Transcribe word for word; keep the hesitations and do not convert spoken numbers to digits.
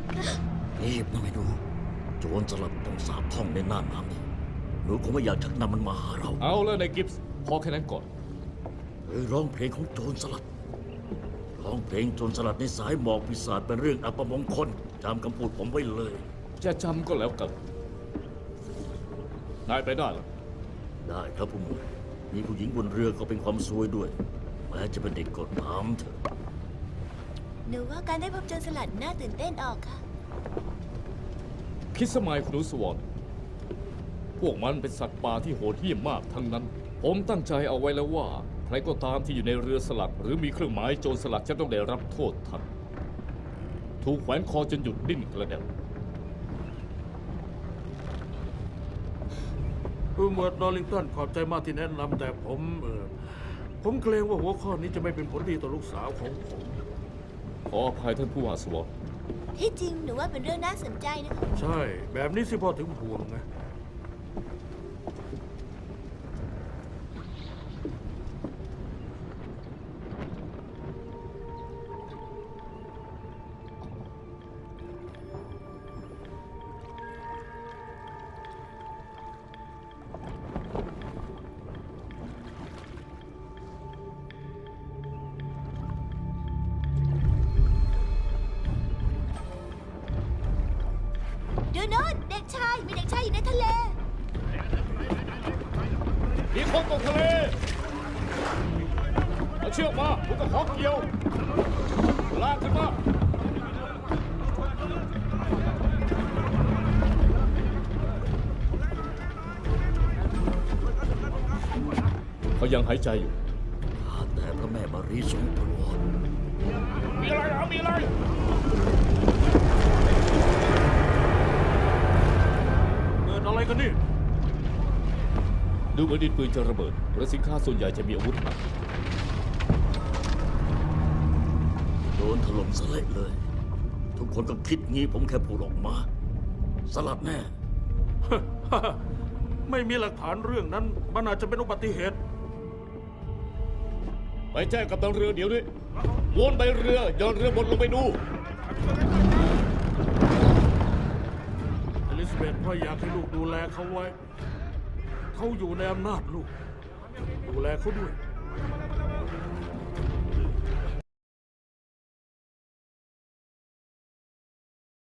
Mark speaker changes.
Speaker 1: นี่นะไม่ดูโจรสลัดต้องสาบท่องในหน้าน้ำนี่หนูคงไม่อยากชักนำมันมาหาเรา
Speaker 2: เอาแล้วในกิฟส์พอแค่นั้นก่อน
Speaker 1: เฮ้ยร้องเพลงของโจรสลัดร้องเพลงโจรสลัดในสายหมอกปีศาจเป็นเรื่องอัปมงคลจำคำพูดผมไว้เลย
Speaker 2: จะจำก็แล้วกันนายไปได้หรอ
Speaker 1: ได้ครับผู้หมวดมีผู้หญิงบนเรือก็เป็นความซวยด้วยแม้จะเป็นเด็กกดน้ำเถอะ
Speaker 3: หนูว่าการได้พบโจรสลัดน่าตื่นเต้นออกค่ะ
Speaker 2: คิดสมัยคุณนุสวรพวกมันเป็นสัตว์ป่าที่โหดเหี้ยมมากทั้งนั้นผมตั้งใจเอาไว้แล้วว่าใครก็ตามที่อยู่ในเรือสลัดหรือมีเครื่องหมายโจรสลัดจะต้องได้รับโทษทันถูกแขวนคอจนหยุดดิ้นกระเด็น
Speaker 4: ผู้หมวดดอลลิงตันขอบใจมากที่แนะนำแต่ผมเออผมเกรงว่าหัวข้อนี้จะไม่เป็นผลดีต่อลูกสาวของผม
Speaker 2: ขออภัยท่านผู้ว่าสวอต
Speaker 3: ที่จริงหนูว่าเป็นเรื่องน่าสนใจนะคะ
Speaker 4: ใช่แบบนี้สิพ่อถึงห่วงไง
Speaker 3: ดูโน่นเด็กชายมีเด็กชายอยู่ในทะเล
Speaker 2: มีคนตกทะเลเอาเชือกมาผมก็ขอเกี่ยวลากขึ้นมาเขายังหายใจอยู่
Speaker 1: ข้าแต่พระแม่มารีทรงโปรด
Speaker 2: มีอะไรเอามีอะไร
Speaker 4: เกิดอะไรกันนี่
Speaker 2: ดูเหมือนดินปืนจะระเบิดและสินค้าส่วนใหญ่จะมีอาวุธหนัก
Speaker 1: โดนถล่มสลายเลย ทุกคนก็คิดงี้ผมแค่พูดออกมาสลัดแน่
Speaker 4: ไม่มีหลักฐานเรื่องนั้นมันอาจจะเป็นอุบัติเหตุ
Speaker 2: ไปแจ้งกับตันเรือเดี๋ยวนี้วนไปเรือย้อนเรือบนลงไปดู
Speaker 4: อลิซาเบธพ่ออยากให้ลูกดูแลเขาไว้เขาอยู่ในอำนาจลูกดูแลเขาด้วย